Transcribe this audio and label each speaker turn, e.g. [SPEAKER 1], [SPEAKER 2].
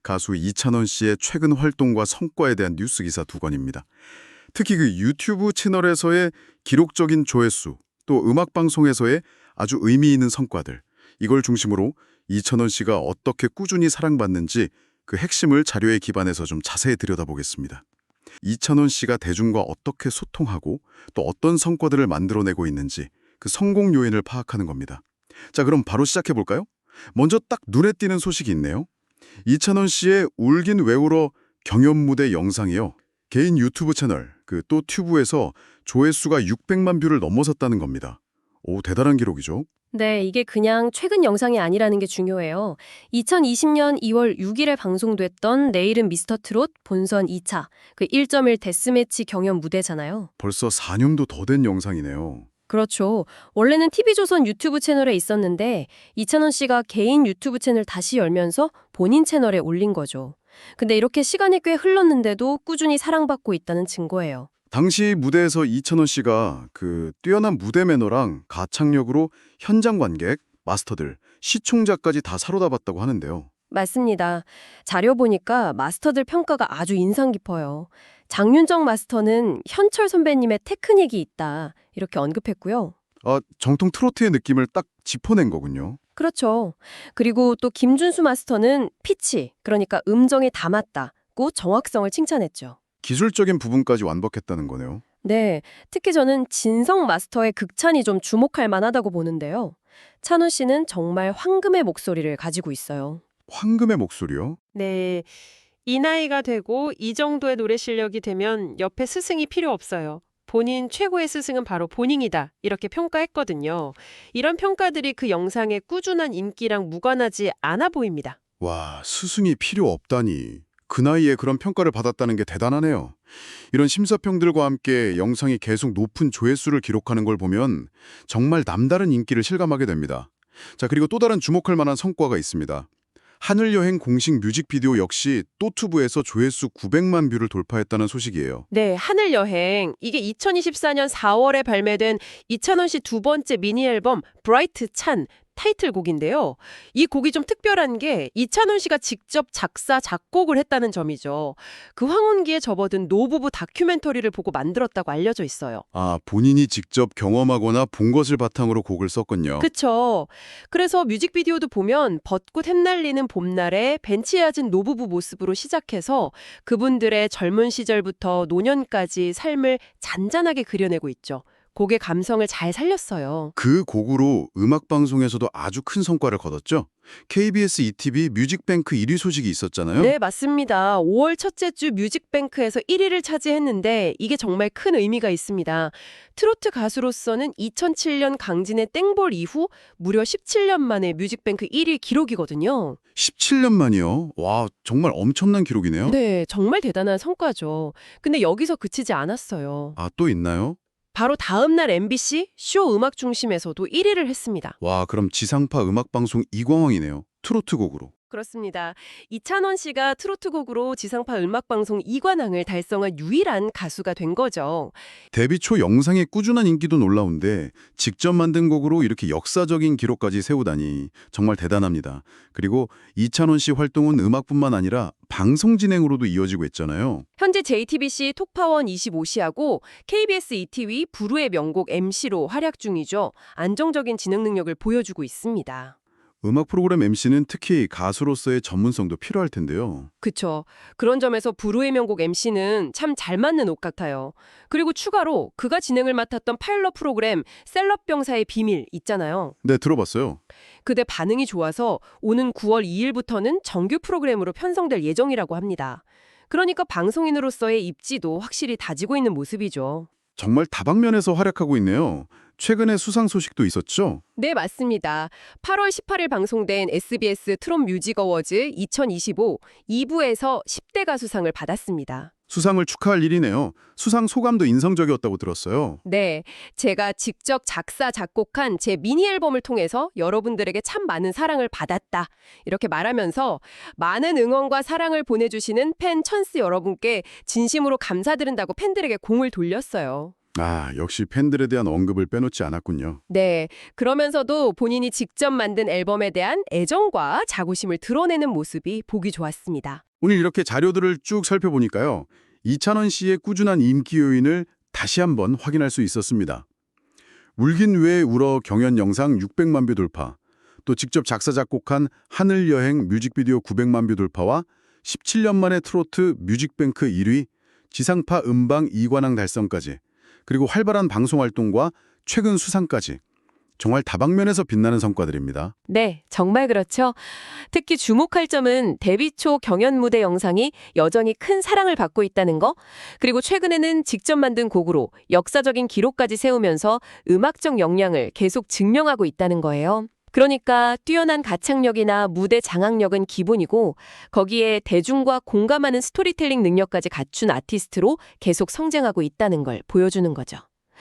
[SPEAKER 1] 가수 이찬원 씨의 최근 활동과 성과에 대한 뉴스 기사 두 건입니다. 특히 그 유튜브 채널에서의 기록적인 조회수, 또 음악 방송에서의 아주 의미 있는 성과들, 이걸 중심으로 이찬원 씨가 어떻게 꾸준히 사랑받는지 그 핵심을 자료에 기반해서 좀 자세히 들여다보겠습니다. 이찬원 씨가 대중과 어떻게 소통하고 또 어떤 성과들을 만들어내고 있는지 그 성공 요인을 파악하는 겁니다. 자, 그럼 바로 시작해 볼까요? 먼저 딱 눈에 띄는 소식이 있네요. 이찬원 씨의 울긴 왜 울어 경연 무대 영상이요. 개인 유튜브 채널 또 튜브에서 조회수가 600만 뷰를 넘어섰다는 겁니다. 오, 대단한 기록이죠.
[SPEAKER 2] 네, 이게 그냥 최근 영상이 아니라는 게 중요해요. 2020년 2월 6일에 방송됐던 내일은 미스터 트롯 본선 2차, 그 1.1 데스매치 경연 무대잖아요.
[SPEAKER 1] 벌써 4년도 더 된 영상이네요.
[SPEAKER 2] 그렇죠. 원래는 TV조선 유튜브 채널에 있었는데 이찬원 씨가 개인 유튜브 채널 다시 열면서 본인 채널에 올린 거죠. 근데 이렇게 시간이 꽤 흘렀는데도 꾸준히 사랑받고 있다는 증거예요.
[SPEAKER 1] 당시 무대에서 이찬원 씨가 그 뛰어난 무대 매너랑 가창력으로 현장 관객, 마스터들, 시청자까지 다 사로잡았다고 하는데요.
[SPEAKER 2] 맞습니다. 자료 보니까 마스터들 평가가 아주 인상 깊어요. 장윤정 마스터는 현철 선배님의 테크닉이 있다 이렇게 언급했고요.
[SPEAKER 1] 정통 트로트의 느낌을 딱 짚어낸 거군요.
[SPEAKER 2] 그렇죠. 그리고 또 김준수 마스터는 피치, 그러니까 음정에 담았다고 정확성을 칭찬했죠.
[SPEAKER 1] 기술적인 부분까지 완벽했다는 거네요.
[SPEAKER 2] 네, 특히 저는 진성 마스터의 극찬이 좀 주목할 만하다고 보는데요. 찬호 씨는 정말 황금의 목소리를 가지고 있어요.
[SPEAKER 1] 황금의 목소리요?
[SPEAKER 3] 네. 이 나이가 되고 이 정도의 노래 실력이 되면 옆에 스승이 필요 없어요. 본인 최고의 스승은 바로 본인이다. 이렇게 평가했거든요. 이런 평가들이 그 영상의 꾸준한 인기랑 무관하지 않아 보입니다.
[SPEAKER 1] 와, 스승이 필요 없다니. 그 나이에 그런 평가를 받았다는 게 대단하네요. 이런 심사평들과 함께 영상이 계속 높은 조회수를 기록하는 걸 보면 정말 남다른 인기를 실감하게 됩니다. 자, 그리고 또 다른 주목할 만한 성과가 있습니다. 하늘여행 공식 뮤직비디오 역시 또투브에서 조회수 900만 뷰를 돌파했다는 소식이에요.
[SPEAKER 3] 네, 하늘여행. 이게 2024년 4월에 발매된 이찬원 씨 두 번째 미니 앨범 브라이트 찬 타이틀곡인데요. 이 곡이 좀 특별한 게 이찬원 씨가 직접 작사, 작곡을 했다는 점이죠. 그 황혼기에 접어든 노부부 다큐멘터리를 보고 만들었다고 알려져 있어요.
[SPEAKER 1] 본인이 직접 경험하거나 본 것을 바탕으로 곡을 썼군요.
[SPEAKER 3] 그쵸. 그래서 뮤직비디오도 보면 벚꽃 햇날리는 봄날에 벤치에 앉은 노부부 모습으로 시작해서 그분들의 젊은 시절부터 노년까지 삶을 잔잔하게 그려내고 있죠. 곡의 감성을 잘 살렸어요.
[SPEAKER 1] 그 곡으로 음악방송에서도 아주 큰 성과를 거뒀죠. KBS ETV 뮤직뱅크 1위 소식이 있었잖아요.
[SPEAKER 3] 네, 맞습니다. 5월 첫째 주 뮤직뱅크에서 1위를 차지했는데 이게 정말 큰 의미가 있습니다. 트로트 가수로서는 2007년 강진의 땡볼 이후 무려 17년 만에 뮤직뱅크 1위 기록이거든요.
[SPEAKER 1] 17년 만이요. 와, 정말 엄청난 기록이네요.
[SPEAKER 3] 네, 정말 대단한 성과죠. 근데 여기서 그치지 않았어요.
[SPEAKER 1] 또 있나요?
[SPEAKER 3] 바로 다음 날 MBC 쇼 음악 중심에서도 1위를 했습니다.
[SPEAKER 1] 와, 그럼 지상파 음악방송 이광왕이네요. 트로트 곡으로.
[SPEAKER 3] 그렇습니다. 이찬원 씨가 트로트곡으로 지상파 음악방송 2관왕을 달성한 유일한 가수가 된 거죠.
[SPEAKER 1] 데뷔 초 영상의 꾸준한 인기도 놀라운데 직접 만든 곡으로 이렇게 역사적인 기록까지 세우다니 정말 대단합니다. 그리고 이찬원 씨 활동은 음악뿐만 아니라 방송 진행으로도 이어지고 있잖아요.
[SPEAKER 3] 현재 JTBC 톡파원 25시하고 KBS ETV 부르의 명곡 MC로 활약 중이죠. 안정적인 진행 능력을 보여주고 있습니다.
[SPEAKER 1] 음악 프로그램 MC는 특히 가수로서의 전문성도 필요할 텐데요.
[SPEAKER 3] 그쵸. 그런 점에서 부르의 명곡 MC는 참 잘 맞는 옷 같아요. 그리고 추가로 그가 진행을 맡았던 파일럿 프로그램 셀럽병사의 비밀 있잖아요.
[SPEAKER 1] 네, 들어봤어요.
[SPEAKER 3] 그때 반응이 좋아서 오는 9월 2일부터는 정규 프로그램으로 편성될 예정이라고 합니다. 그러니까 방송인으로서의 입지도 확실히 다지고 있는 모습이죠.
[SPEAKER 1] 정말 다방면에서 활약하고 있네요. 최근에 수상 소식도 있었죠?
[SPEAKER 3] 네, 맞습니다. 8월 18일 방송된 SBS 트롯 뮤직 어워즈 2025 2부에서 10대 가수상을 받았습니다.
[SPEAKER 1] 수상을 축하할 일이네요. 수상 소감도 인상적이었다고 들었어요.
[SPEAKER 3] 네, 제가 직접 작사, 작곡한 제 미니 앨범을 통해서 여러분들에게 참 많은 사랑을 받았다. 이렇게 말하면서 많은 응원과 사랑을 보내주시는 팬 천스 여러분께 진심으로 감사드린다고 팬들에게 공을 돌렸어요.
[SPEAKER 1] 아, 역시 팬들에 대한 언급을 빼놓지 않았군요.
[SPEAKER 3] 네, 그러면서도 본인이 직접 만든 앨범에 대한 애정과 자부심을 드러내는 모습이 보기 좋았습니다.
[SPEAKER 1] 오늘 이렇게 자료들을 쭉 살펴보니까요. 이찬원 씨의 꾸준한 인기 요인을 다시 한번 확인할 수 있었습니다. 울긴 왜 울어 경연 영상 600만 뷰 돌파, 또 직접 작사 작곡한 하늘 여행 뮤직비디오 900만 뷰 돌파와 17년 만에 트로트 뮤직뱅크 1위, 지상파 음방 2관왕 달성까지, 그리고 활발한 방송 활동과 최근 수상까지 정말 다방면에서 빛나는 성과들입니다.
[SPEAKER 3] 네, 정말 그렇죠. 특히 주목할 점은 데뷔 초 경연 무대 영상이 여전히 큰 사랑을 받고 있다는 거, 그리고 최근에는 직접 만든 곡으로 역사적인 기록까지 세우면서 음악적 역량을 계속 증명하고 있다는 거예요. 그러니까 뛰어난 가창력이나 무대 장악력은 기본이고 거기에 대중과 공감하는 스토리텔링 능력까지 갖춘 아티스트로 계속 성장하고 있다는 걸 보여주는 거죠.